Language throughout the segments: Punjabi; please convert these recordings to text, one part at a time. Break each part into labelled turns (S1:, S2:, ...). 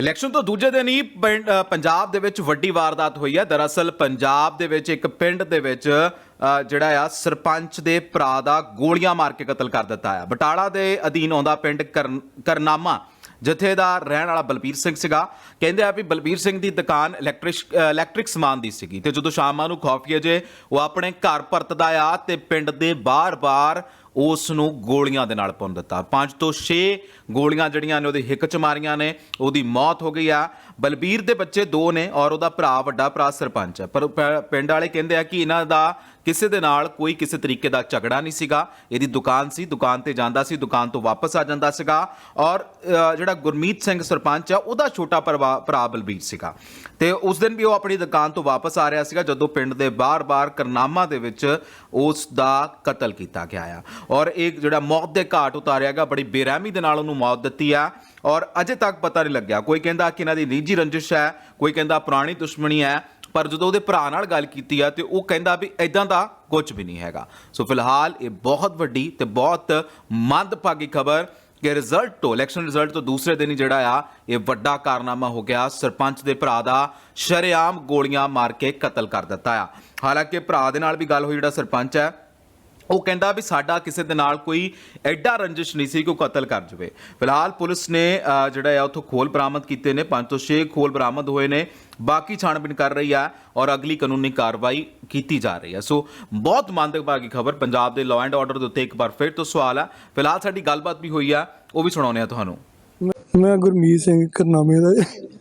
S1: ਇਲੈਕਸ਼ਨ ਤੋਂ ਦੂਜੇ ਦਿਨ ਹੀ ਪੰਜਾਬ ਦੇ ਵਿੱਚ ਵੱਡੀ ਵਾਰਦਾਤ ਹੋਈ ਹੈ। ਦਰਅਸਲ ਪੰਜਾਬ ਦੇ ਵਿੱਚ ਇੱਕ ਪਿੰਡ ਦੇ ਵਿੱਚ ਜਿਹੜਾ ਆ ਸਰਪੰਚ ਦੇ ਭਰਾ ਦਾ ਗੋਲੀਆਂ ਮਾਰ ਕੇ ਕਤਲ ਕਰ ਦਿੱਤਾ ਹੈ। ਬਟਾਲਾ ਦੇ ਅਧੀਨ ਆਉਂਦਾ ਪਿੰਡ ਕਰਨਾਮਾ ਜਿੱਥੇ ਦਾ ਰਹਿਣ ਵਾਲਾ ਬਲਬੀਰ ਸਿੰਘ ਸੀਗਾ। ਕਹਿੰਦੇ ਆ ਵੀ ਬਲਬੀਰ ਸਿੰਘ ਦੀ ਦੁਕਾਨ ਇਲੈਕਟ੍ਰਿਕ ਸਮਾਨ ਦੀ ਸੀਗੀ ਤੇ ਜਦੋਂ ਸ਼ਾਮਾਂ ਨੂੰ ਖੌਫੀਏ ਜੇ ਉਹ ਆਪਣੇ ਘਰ ਪਰਤਦਾ ਆ ਤੇ ਪਿੰਡ ਦੇ ਬਾਰ-ਬਾਰ ਉਸ ਨੂੰ ਗੋਲੀਆਂ ਦੇ ਨਾਲ ਭੁੰਨ ਦਿੱਤਾ। 5 ਤੋਂ 6 ਗੋਲੀਆਂ ਜਿਹੜੀਆਂ ਨੇ ਉਹਦੇ ਹਿੱਕ 'ਚ ਮਾਰੀਆਂ ਨੇ, ਉਹਦੀ ਮੌਤ ਹੋ ਗਈ ਆ। ਬਲਬੀਰ ਦੇ ਬੱਚੇ 2 ਨੇ ਔਰ ਉਹਦਾ ਭਰਾ ਵੱਡਾ ਭਰਾ ਸਰਪੰਚ ਹੈ। ਪਰ ਪਿੰਡ ਵਾਲੇ ਕਹਿੰਦੇ ਆ ਕਿ ਇਹਨਾਂ ਦਾ ਕਿਸੇ ਦੇ ਨਾਲ ਕੋਈ ਕਿਸੇ ਤਰੀਕੇ ਦਾ ਝਗੜਾ ਨਹੀਂ ਸੀਗਾ। ਇਹਦੀ ਦੁਕਾਨ ਸੀ, ਦੁਕਾਨ ਤੇ ਜਾਂਦਾ ਸੀ, ਦੁਕਾਨ ਤੋਂ ਵਾਪਸ ਆ ਜਾਂਦਾ ਸੀਗਾ ਔਰ ਜਿਹੜਾ ਗੁਰਮੀਤ ਸਿੰਘ ਸਰਪੰਚ ਆ ਉਹਦਾ ਛੋਟਾ ਭਰਾ ਬਲਬੀਰ ਸੀਗਾ ਤੇ ਉਸ ਦਿਨ ਵੀ ਉਹ ਆਪਣੀ ਦੁਕਾਨ ਤੋਂ ਵਾਪਸ ਆ ਰਿਹਾ ਸੀਗਾ ਜਦੋਂ ਪਿੰਡ ਦੇ ਬਾਰ-ਬਾਰ ਕਰਨਾਮਾ ਦੇ ਵਿੱਚ ਉਸ ਦਾ ਕਤਲ ਕੀਤਾ ਗਿਆ ਆ ਔਰ ਇਹ ਜਿਹੜਾ ਮੌਤ ਦੇ ਘਾਟ ਉਤਾਰਿਆ ਗਿਆ। ਬੜੀ ਬੇਰਹਿਮੀ ਦੇ ਨਾਲ ਉਹਨੂੰ ਮੌਤ ਦਿੱਤੀ ਆ ਔਰ ਅਜੇ ਤੱਕ ਪਤਾ ਨਹੀਂ ਲੱਗਿਆ। ਕੋਈ ਕਹਿੰਦਾ ਕਿ ਇਹਨਾਂ ਦੀ ਨਿੱਜੀ ਰੰਜਿਸ਼ ਹੈ, ਕੋਈ ਕਹਿੰਦਾ ਪੁਰਾਣੀ ਦੁਸ਼ਮਣੀ ਹੈ, ਪਰ ਜਦੋਂ ਉਹਦੇ ਭਰਾ ਨਾਲ ਗੱਲ ਕੀਤੀ ਆ ਤੇ ਉਹ ਕਹਿੰਦਾ ਵੀ ਇਦਾਂ ਦਾ ਕੁਝ ਵੀ ਨਹੀਂ ਹੈਗਾ। ਸੋ ਫਿਲਹਾਲ ਇਹ ਬਹੁਤ ਵੱਡੀ ਤੇ ਬਹੁਤ ਮੰਦਭਾਗੀ ਖਬਰ ਕਿ ਇਲੈਕਸ਼ਨ ਰਿਜ਼ਲਟ ਤੋਂ ਦੂਸਰੇ ਦਿਨ ਹੀ ਜਿਹੜਾ ਆ ਇਹ ਵੱਡਾ ਕਾਰਨਾਮਾ ਹੋ ਗਿਆ। ਸਰਪੰਚ ਦੇ ਭਰਾ ਦਾ ਸ਼ਰੇਆਮ ਗੋਲੀਆਂ ਮਾਰ ਕੇ ਕਤਲ ਕਰ ਦਿੱਤਾ ਆ। ਹਾਲਾਂਕਿ ਭਰਾ ਦੇ ਨਾਲ ਵੀ ਗੱਲ ਹੋਈ, ਜਿਹੜਾ ਸਰਪੰਚ ਹੈ ਉਹ ਕਹਿੰਦਾ ਵੀ ਸਾਡਾ ਕਿਸੇ ਦੇ ਨਾਲ ਕੋਈ ਐਡਾ ਰੰਜਿਸ਼ ਨਹੀਂ ਸੀ ਕਿ ਉਹ ਕਤਲ ਕਰ ਜਾਵੇ। ਫਿਲਹਾਲ ਪੁਲਿਸ ਨੇ ਜਿਹੜਾ ਆ ਉੱਥੋਂ ਖੋਲ ਬਰਾਮਦ ਕੀਤੇ ਨੇ, 5 ਤੋਂ 6 ਖੋਲ ਬਰਾਮਦ ਹੋਏ ਨੇ। ਬਾਕੀ ਛਾਣਬੀਨ ਕਰ ਰਹੀ ਆ ਔਰ ਅਗਲੀ ਕਾਨੂੰਨੀ ਕਾਰਵਾਈ ਕੀਤੀ ਜਾ ਰਹੀ ਹੈ। ਸੋ ਬਹੁਤ ਮੰਦਭਾਗੀ ਖਬਰ। ਪੰਜਾਬ ਦੇ ਲਾਅ ਐਂਡ ਆਰਡਰ ਦੇ ਉੱਤੇ ਇੱਕ ਵਾਰ ਫਿਰ ਤੋਂ ਸਵਾਲ ਆ। ਫਿਲਹਾਲ ਸਾਡੀ ਗੱਲਬਾਤ ਵੀ ਹੋਈ ਆ, ਉਹ ਵੀ ਸੁਣਾਉਂਦੇ ਆ ਤੁਹਾਨੂੰ।
S2: ਮੈਂ ਗੁਰਮੀਤ ਸਿੰਘ ਕਰਨਾਮੇ ਦਾ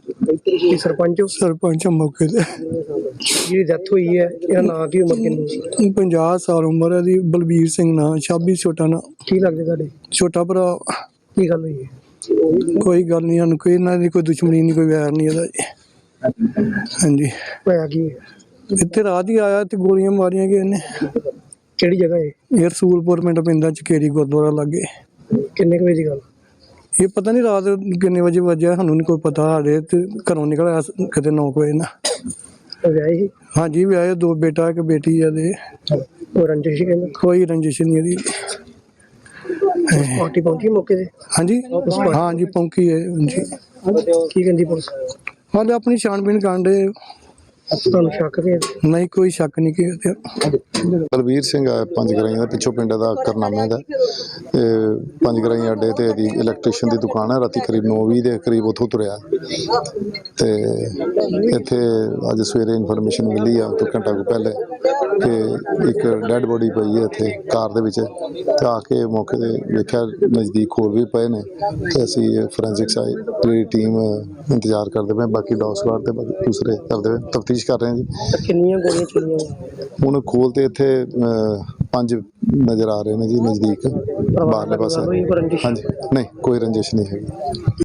S2: ਸਰਪੰਚ ਮੌਕੇ ਤੇ।
S3: ਜਿਹੜੀ ਡੈਥ ਹੋਈ ਹੈ ਇਹਦਾ ਨਾਂ ਕੀ, ਉਮਰ ਕਿੰਨੀ?
S2: 50 ਸਾਲ ਉਮਰ ਹੈ ਦੀ। ਬਲਬੀਰ ਸਿੰਘ ਨਾਂ, ਛਾਬੀ ਛੋਟਾ ਨਾਂ।
S3: ਕੀ ਲੱਗਦੇ ਤੁਹਾਡੇ?
S2: ਛੋਟਾ ਭਰਾ।
S3: ਕੀ ਗੱਲ ਹੋਈ ਹੈ?
S2: ਕੋਈ ਗੱਲ ਨਹੀਂ, ਸਾਨੂੰ ਕੋਈ ਇਹਨਾਂ ਦੀ ਕੋਈ ਦੁਸ਼ਮਣੀ ਨਹੀਂ, ਕੋਈ ਵੈਰ ਨਹੀਂ ਇਹਦਾ ਜੀ। ਹਾਂਜੀ।
S3: ਹੋਇਆ ਕੀ?
S2: ਇੱਥੇ ਰਾਤ ਹੀ ਆਇਆ ਤੇ ਗੋਲੀਆਂ ਮਾਰੀਆਂ ਗਏ ਨੇ।
S3: ਕਿਹੜੀ ਜਗ੍ਹਾ ਹੈ
S2: ਇਹ? ਰਸੂਲਪੁਰ ਪਿੰਡ ਪੈਂਦਾ, ਚਕੇਰੀ ਗੁਰਦੁਆਰਾ ਲਾਗੇ।
S3: ਕਿੰਨੇ ਕੁ ਵਜੇ ਦੀ ਗੱਲ?
S2: ਇਹ ਪਤਾ ਨਹੀਂ ਰਾਤ ਕਿੰਨੇ ਵਜੇ ਵੱਜਿਆ, ਸਾਨੂੰ ਨਹੀਂ ਕੋਈ ਪਤਾ। ਸਾਡੇ ਤੇ ਘਰੋਂ ਨਿਕਲਿਆ ਕਿਤੇ 9 ਵਜੇ ਨਾ।
S3: ਵਿਆਹੇ ਸੀ?
S2: ਹਾਂਜੀ ਵਿਆਹੇ, 2 ਬੇਟਾ ਇੱਕ ਬੇਟੀ ਆ ਦੇ।
S3: ਕੋਈ ਰੰਜਿਸ਼ ਕਹਿੰਦੇ?
S2: ਕੋਈ ਰੰਜਿਸ਼ ਨਹੀਂ ਇਹਦੀ।
S3: ਪਾਰਟੀ ਪਹੁੰਚੀ ਮੌਕੇ ਤੇ?
S2: ਹਾਂਜੀ ਹਾਂਜੀ ਪਹੁੰਚੀ ਹੈ ਜੀ।
S3: ਕੀ ਕਹਿੰਦੀ ਪੁਲਿਸ?
S2: ਹਾਲੇ ਆਪਣੀ ਛਾਣਬੀਨ ਕਰਨ ਦੇ।
S3: ਤੁਹਾਨੂੰ ਸ਼ੱਕ ਵੀ ਹੈ?
S2: ਨਹੀਂ, ਕੋਈ ਸ਼ੱਕ ਨਹੀਂ ਕਿ
S4: ਬਲਬੀਰ ਸਿੰਘ ਆ, 5 ਗਰਾਈਆਂ ਦਾ, ਪਿੱਛੋਂ ਪਿੰਡ ਦਾ ਕਰਨਾਮੇ ਦਾ। ਤੇ 5 ਗਰਾਈਆਂ ਅੱਡੇ ਤੇ ਇਹਦੀ ਇਲੈਕਟ੍ਰੀਸ਼ੀਅਨ ਦੀ ਦੁਕਾਨ ਹੈ। ਰਾਤੀ ਕਰੀਬ 9:20 ਦੇ ਕਰੀਬ ਉੱਥੋਂ ਤੁਰਿਆ ਤੇ ਇੱਥੇ ਅੱਜ ਸਵੇਰੇ ਇਨਫੋਰਮੇਸ਼ਨ ਮਿਲੀ ਆ ਤੋਂ ਘੰਟਾ ਕੁ ਪਹਿਲੇ ਕਿ ਇੱਕ ਡੈੱਡ ਬੋਡੀ ਪਈ ਹੈ ਇੱਥੇ ਕਾਰ ਦੇ ਵਿੱਚ। ਤੇ ਆ ਕੇ ਮੌਕੇ ਤੇ ਵੇਖਿਆ ਨਜ਼ਦੀਕ ਹੋਰ ਵੀ ਪਏ ਨੇ ਤੇ ਅਸੀਂ ਫੋਰੈਂਸਿਕ ਸਾਈਡ ਦੀ ਟੀਮ ਇੰਤਜ਼ਾਰ ਕਰਦੇ ਪਏ। ਬਾਕੀ ਡੌਗ ਸਵਾਰ ਤੇ ਦੂਸਰੇ ਕਰਦੇ ਪਏ, ਤਫਤੀਸ਼ ਕਰ ਰਹੇ ਹਾਂ ਜੀ।
S3: ਕਿੰਨੀਆਂ ਗੋਲੀਆਂ ਚੱਲੀਆਂ?
S4: ਹੁਣ ਖੋਲ ਤੇ ਇੱਥੇ 5 ਨਜ਼ਰ ਆ ਰਹੇ ਨੇ ਜੀ ਨਜ਼ਦੀਕ ਬਾਹਰਲੇ ਪਾਸੇ। ਹਾਂਜੀ, ਨਹੀਂ ਕੋਈ ਰੰਜਿਸ਼ ਨਹੀਂ ਹੈਗੀ।